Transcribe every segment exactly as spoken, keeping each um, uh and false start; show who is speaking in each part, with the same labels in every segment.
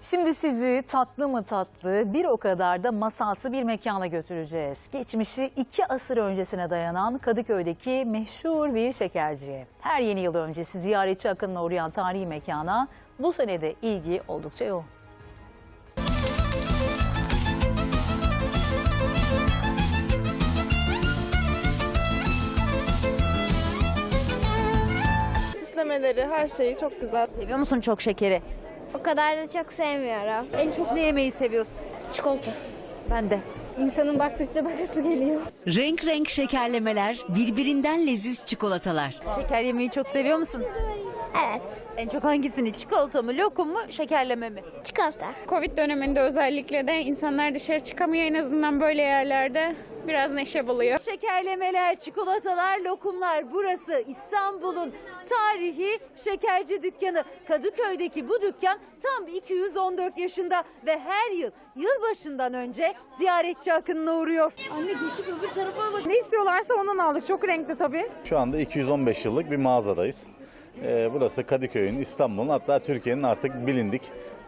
Speaker 1: Şimdi sizi tatlı mı tatlı bir o kadar da masalsı bir mekana götüreceğiz. Geçmişi iki asır öncesine dayanan Kadıköy'deki meşhur bir şekerciye. Her yeni yıl öncesi ziyaretçi akınına uğrayan tarihi mekana bu sene de ilgi oldukça yoğun.
Speaker 2: Süslemeleri, her şeyi çok güzel.
Speaker 3: Seviyor musun çok şekeri?
Speaker 4: O kadar da çok sevmiyorum.
Speaker 3: En çok ne yemeyi seviyorsun?
Speaker 4: Çikolata.
Speaker 3: Ben de.
Speaker 4: İnsanın baktıkça bakası geliyor.
Speaker 5: Renk renk şekerlemeler, birbirinden leziz çikolatalar.
Speaker 3: Şeker yemeyi çok seviyor musun?
Speaker 4: Evet.
Speaker 3: En çok hangisini? Çikolata mı, lokum mu, şekerleme mi?
Speaker 4: Çikolata.
Speaker 6: Covid döneminde özellikle de insanlar dışarı çıkamıyor, en azından böyle yerlerde biraz neşe buluyor.
Speaker 3: Şekerlemeler, çikolatalar, lokumlar. Burası İstanbul'un tarihi şekerci dükkanı. Kadıköy'deki bu dükkan tam iki yüz on dört yaşında ve her yıl yılbaşından önce ziyaretçi akınına uğruyor. Anne geçip öbür tarafa bak.
Speaker 2: Ne istiyorlarsa ondan aldık. Çok renkli tabii.
Speaker 7: Şu anda iki yüz on beş yıllık bir mağazadayız. Ee, burası Kadıköy'ün, İstanbul'un, hatta Türkiye'nin artık bilindik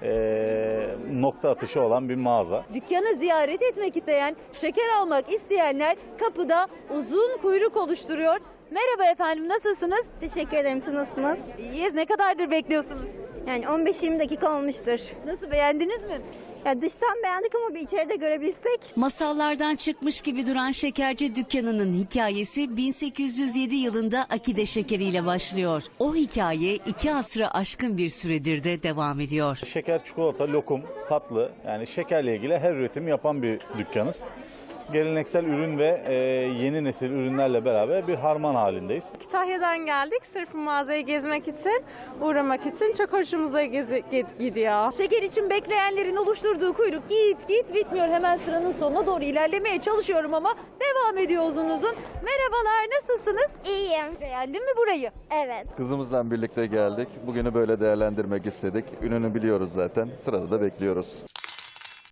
Speaker 7: ee, nokta atışı olan bir mağaza.
Speaker 3: Dükkanı ziyaret etmek isteyen, şeker almak isteyenler kapıda uzun kuyruk oluşturuyor. Merhaba efendim, nasılsınız?
Speaker 4: Teşekkür ederim. Siz nasılsınız?
Speaker 3: İyiyiz. Ne kadardır bekliyorsunuz?
Speaker 4: Yani on beş yirmi dakika olmuştur.
Speaker 3: Nasıl, beğendiniz mi?
Speaker 4: Ya dıştan beğendik ama bir içeride görebilsek.
Speaker 5: Masallardan çıkmış gibi duran şekerci dükkanının hikayesi bin sekiz yüz yedi yılında Akide şekeriyle başlıyor. O hikaye iki asrı aşkın bir süredir de devam ediyor.
Speaker 7: Şeker, çikolata, lokum, tatlı, yani şekerle ilgili her üretim yapan bir dükkanız. Geleneksel ürün ve ee, yeni nesil ürünlerle beraber bir harman halindeyiz.
Speaker 2: Kütahya'dan geldik. Sırf mağazayı gezmek için, uğramak için. Çok hoşumuza gezi- gidiyor.
Speaker 3: Şeker için bekleyenlerin oluşturduğu kuyruk git git bitmiyor. Hemen sıranın sonuna doğru ilerlemeye çalışıyorum ama devam ediyor uzun uzun. Merhabalar, nasılsınız?
Speaker 4: İyiyim.
Speaker 3: Beğendin mi burayı?
Speaker 4: Evet.
Speaker 8: Kızımızla birlikte geldik. Bugünü böyle değerlendirmek istedik. Ününü biliyoruz zaten. Sırada da bekliyoruz.